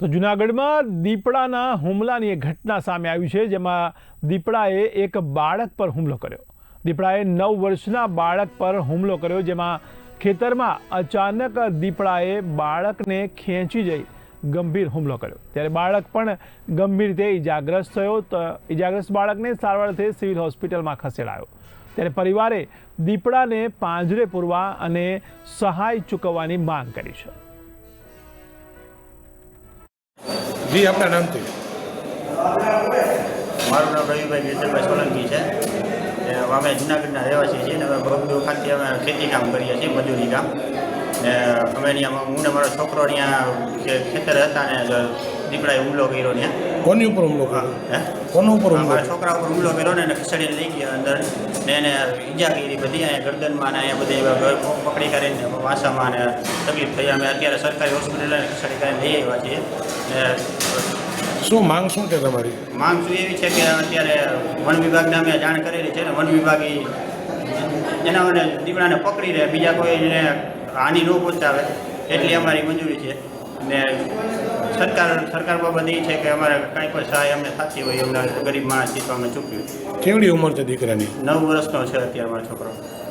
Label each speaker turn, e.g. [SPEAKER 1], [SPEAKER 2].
[SPEAKER 1] તો જૂનાગઢમાં દીપડાના હુમલાની એક ઘટના સામે આવી છે, જેમાં દીપડાએ એક બાળક પર હુમલો કર્યો. દીપડાએ 9 વર્ષના બાળક પર હુમલો કર્યો, જેમાં ખેતરમાં અચાનક દીપડાએ બાળકને ખેંચી જઈ ગંભીર હુમલો કર્યો. ત્યારે બાળક પણ ગંભીર રીતે ઇજાગ્રસ્ત થયો. તો ઇજાગ્રસ્ત બાળકને સારવારથી સિવિલ હોસ્પિટલમાં ખસેડાયો. ત્યારે પરિવારે દીપડાને પાંજરે પૂરવા અને સહાય ચૂકવવાની માંગ કરી છે.
[SPEAKER 2] જી, આપના નામથી?
[SPEAKER 3] મારું નામ રવિભાઈ ગેતરભાઈ સોલંકી છે. અમે જૂનાગઢના રહેવાસી છીએ ને અમે બગડુ ખાતે અમે ખેતી કામ કરીએ છીએ, મજૂરી કામ. ને અમે અહીંયા હું ને મારો છોકરો અહીંયા ખેતર હતા ને દીપડાએ હુમલો કર્યો ને.
[SPEAKER 2] કોની ઉપર હુમલો કર્યો? કોનો ઉપર હુમલો?
[SPEAKER 3] મારા છોકરા ઉપર હુમલો કર્યો ને એને ખસેડીને લઈ ગયા અંદર ને એને ઈજા કરી બધી, અહીંયા ગરદનમાં ને અહીંયા બધી પકડી કરીને વાસામાં ને તકલીફ થઈ. અમે અત્યારે સરકારી હોસ્પિટલ ખસેડી કરીને લઈ આવ્યા છીએ.
[SPEAKER 2] શું માંગ શું છે તમારી?
[SPEAKER 3] માંગ શું એવી છે કે અત્યારે વન વિભાગને અમે જાણ કરેલી છે ને વન વિભાગ એના મને દીપડાને પકડી રહે, બીજા કોઈને હાનિ ન પહોંચાવે એટલી અમારી મંજૂરી છે. ને સરકાર બાબત એ છે કે અમારે કાંઈ પણ સહાય અમને થતી હોય, અમને ગરીબ માણસ છીએ તો અમે ચૂક્યું.
[SPEAKER 2] કેવડી ઉંમર છે દીકરાની?
[SPEAKER 3] 9 વર્ષનો છે અત્યારે મારો છોકરો.